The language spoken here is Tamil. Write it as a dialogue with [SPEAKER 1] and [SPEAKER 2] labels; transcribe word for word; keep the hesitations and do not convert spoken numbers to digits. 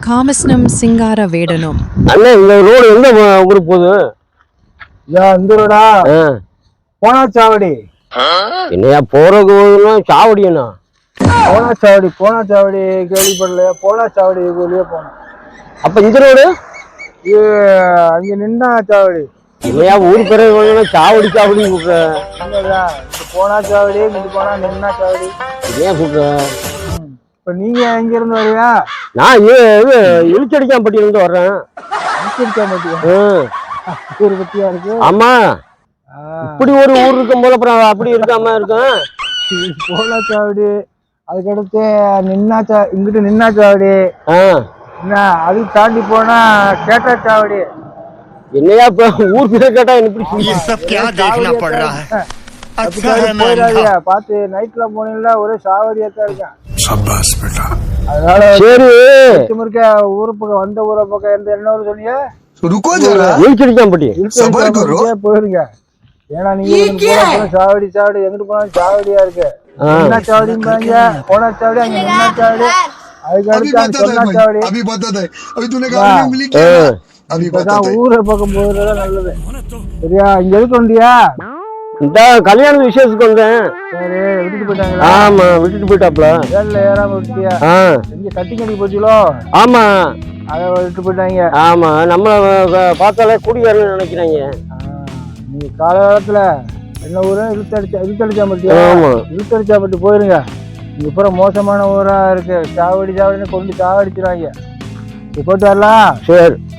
[SPEAKER 1] காமஸ்னம் சிங்கார வேடனும்.
[SPEAKER 2] அண்ணா இந்த ரோடு எந்த ஊருக்கு போகுது?
[SPEAKER 3] இந்த ரோடா போனா சாவடி.
[SPEAKER 2] என்னையா போறதுன்னா சாவடியா?
[SPEAKER 3] போனா சாவடி போனா சாவடி கேள்விப்படலையா? போனா சாவடி வெளியே போனோம்.
[SPEAKER 2] அப்ப இந்த ரோடு
[SPEAKER 3] இது அங்க நின்னா சாவடி.
[SPEAKER 2] இல்லையா ஊர் பேர சாவடி சாவடி கூப்பிடுற?
[SPEAKER 3] போனா சாவடி இங்கிட்டு போனா நின்னா சாவடி.
[SPEAKER 2] ஏன் கூப்பிடுற?
[SPEAKER 3] இப்ப நீங்க எங்க இருந்து வரியா?
[SPEAKER 2] நான் இது இழுச்சடிக்காம்பட்டியில இருந்து வர்றேன்.
[SPEAKER 3] பத்தியா இருக்கு.
[SPEAKER 2] ஆமா இப்படி ஒரு ஊர் இருக்கும் போல அப்புறம் அப்படி இருக்காம இருக்கும்.
[SPEAKER 3] போனா சாவடி அதுக்கடுத்து நின்னா சா இங்கிட்டு நின்னா சாவடி. என்ன அது தாண்டி போனா கேட்டா சாவடி.
[SPEAKER 2] என்னையா இப்ப ஊர் பேர் கேட்டா எனக்கு
[SPEAKER 3] பாத்து நைட்ல போனீங்களா ஒரே சாவடியாத்தான் இருக்கேன். அதனால
[SPEAKER 2] சரி
[SPEAKER 3] இருக்க ஊரு பக்கம் வந்த ஊரை பக்கம் எந்த என்ன ஊர் சொன்னீங்க? போயிருங்க. ஏன்னா நீங்க சாவடி சாவடி எங்கிட்டு போனாலும் சாவடியா இருக்கு. என்ன சாவடிங்க போனா சாவடி அங்க நின்னா சாவடி அதுக்கு அடுத்து சொன்னா சாவடி. ஊரை பக்கம் போறதா நல்லது. சரியா? இங்க எதுக்கு வந்தியா?
[SPEAKER 2] இந்த கல்யாண விசேஷத்துக்கு வந்தேன்.
[SPEAKER 3] சரி விட்டுட்டு போயிட்டாங்களா?
[SPEAKER 2] ஆமா விட்டுட்டு போயிட்டாப்ல.
[SPEAKER 3] வேலை ஏறாம விட்டியா? எங்க கட்டி கட்டி போச்சுலோ?
[SPEAKER 2] ஆமா
[SPEAKER 3] அதை விட்டு போயிட்டாங்க.
[SPEAKER 2] ஆமா நம்மள பார்த்தாலே குடிகாரன்னு நினைக்கிறாங்க.
[SPEAKER 3] நீங்க காலகாலத்துல என்ன ஊரு? இழுத்தடிச்சா இழுத்தடிச்சாம்பட்டியா? இழுத்தடிச்சாம்பட்டி போயிருங்க. இங்க பூரா மோசமான ஊரா இருக்கு. சாவடி சாவடின்னு கொண்டு சாவடிச்சுறாங்க. போயிட்டு வரலாம்.
[SPEAKER 2] சரி.